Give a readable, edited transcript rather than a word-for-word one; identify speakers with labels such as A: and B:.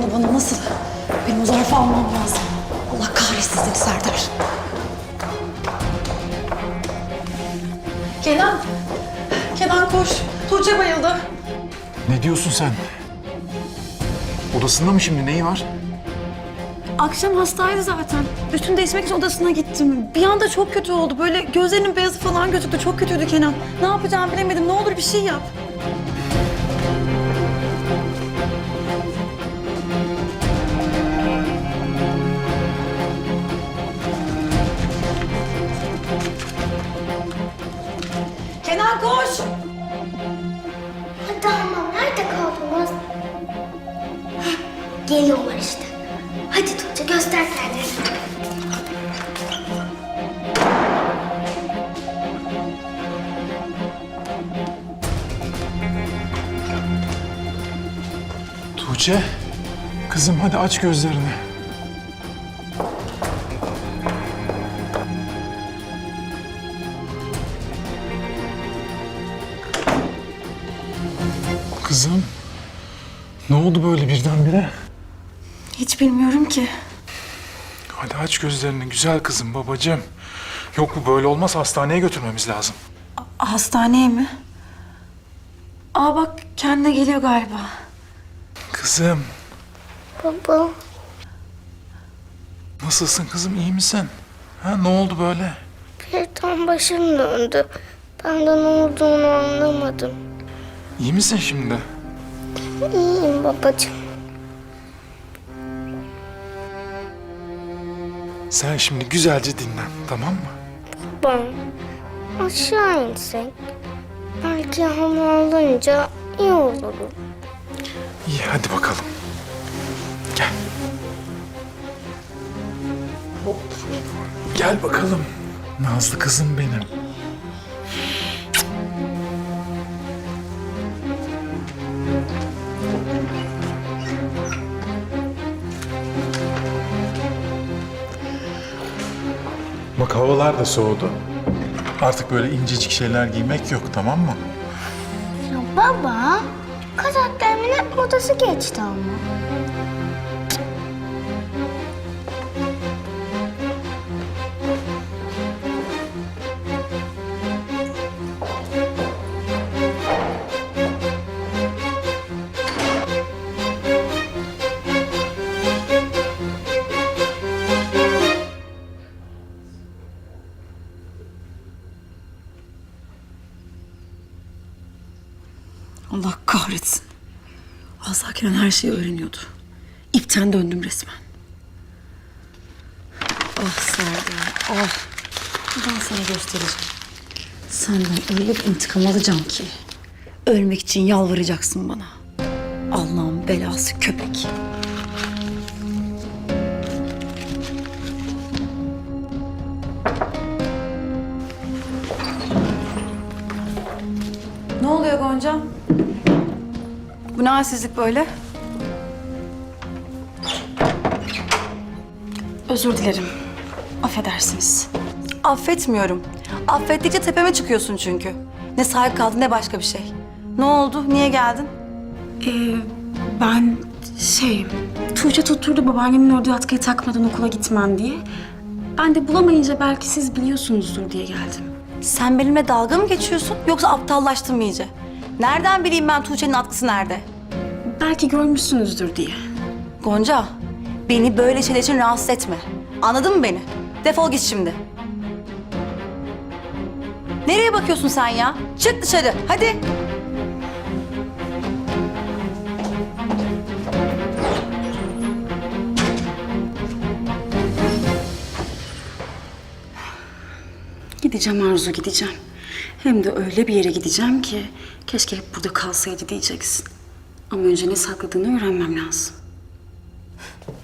A: bana nasıl? Benim o zarfı almam lazım. Allah kahretsin seni Serdar. Kenan! Kenan koş. Tuğçe bayıldı.
B: Ne diyorsun sen? Odasında mı şimdi? Neyi var?
A: Akşam hastaydı zaten. Üstünü değişmek için odasına gittim. Bir anda çok kötü oldu. Böyle gözlerinin beyazı falan gözüktü. Çok kötüydü Kenan. Ne yapacağımı bilemedim. Ne olur bir şey yap. Kenan koş!
C: Hadi ama nerede kaldınız? Heh, geliyorlar işte. Hadi Tuğçe göster kendini.
B: Tuğçe, kızım hadi aç gözlerini. Kızım, ne oldu böyle birdenbire?
A: Hiç bilmiyorum ki.
B: Hadi aç gözlerini güzel kızım, babacığım. Yok bu böyle olmaz, hastaneye götürmemiz lazım.
A: Hastaneye mi? Aa bak kendine geliyor galiba.
B: Kızım,
C: Baba.
B: nasılsın kızım, iyi misin? Ha, ne oldu böyle?
C: Birden başım döndü. Ben de ne olduğunu anlamadım.
B: İyi misin şimdi?
C: İyiyim babacığım.
B: Sen şimdi güzelce dinlen, tamam mı?
C: Baba. Aşağı insek. Belki hava alınca iyi olurum.
B: İyi, hadi bakalım. Gel. Hop. Gel bakalım. Nazlı kızım benim. Bak havalar da soğudu. Artık böyle incecik şeyler giymek yok, tamam mı?
C: Ya baba. Kazaklerimin hep modası geçti ama.
A: Allah kahretsin. Asla Kenan her şeyi öğreniyordu. İpten döndüm resmen. Ah Serdar, ah. Ben sana göstereceğim. Senden öyle bir intikam alacağım ki. Ölmek için yalvaracaksın bana. Allah'ın belası köpek. Ne oluyor Gonca? Bu ne halsizlik böyle? Özür dilerim. Affedersiniz.
D: Affetmiyorum. Affettikçe tepeme çıkıyorsun çünkü. Ne sahip kaldın ne başka bir şey. Ne oldu? Niye geldin?
E: Ben Tuğçe tutturdu babaannemin ördüğü atkıyı takmadan okula gitmem diye. Ben de bulamayınca belki siz biliyorsunuzdur diye geldim.
D: Sen benimle dalga mı geçiyorsun yoksa aptallaştın mı iyice? Nereden bileyim ben Tuğçe'nin atkısı nerede?
E: Belki görmüşsünüzdür diye.
D: Gonca, beni böyle şeyler için rahatsız etme. Anladın mı beni? Defol git şimdi. Nereye bakıyorsun sen ya? Çık dışarı, hadi.
E: Gideceğim Arzu, gideceğim. Hem de öyle bir yere gideceğim ki keşke hep burada kalsaydı diyeceksin. Ama önce ne sakladığını öğrenmem lazım.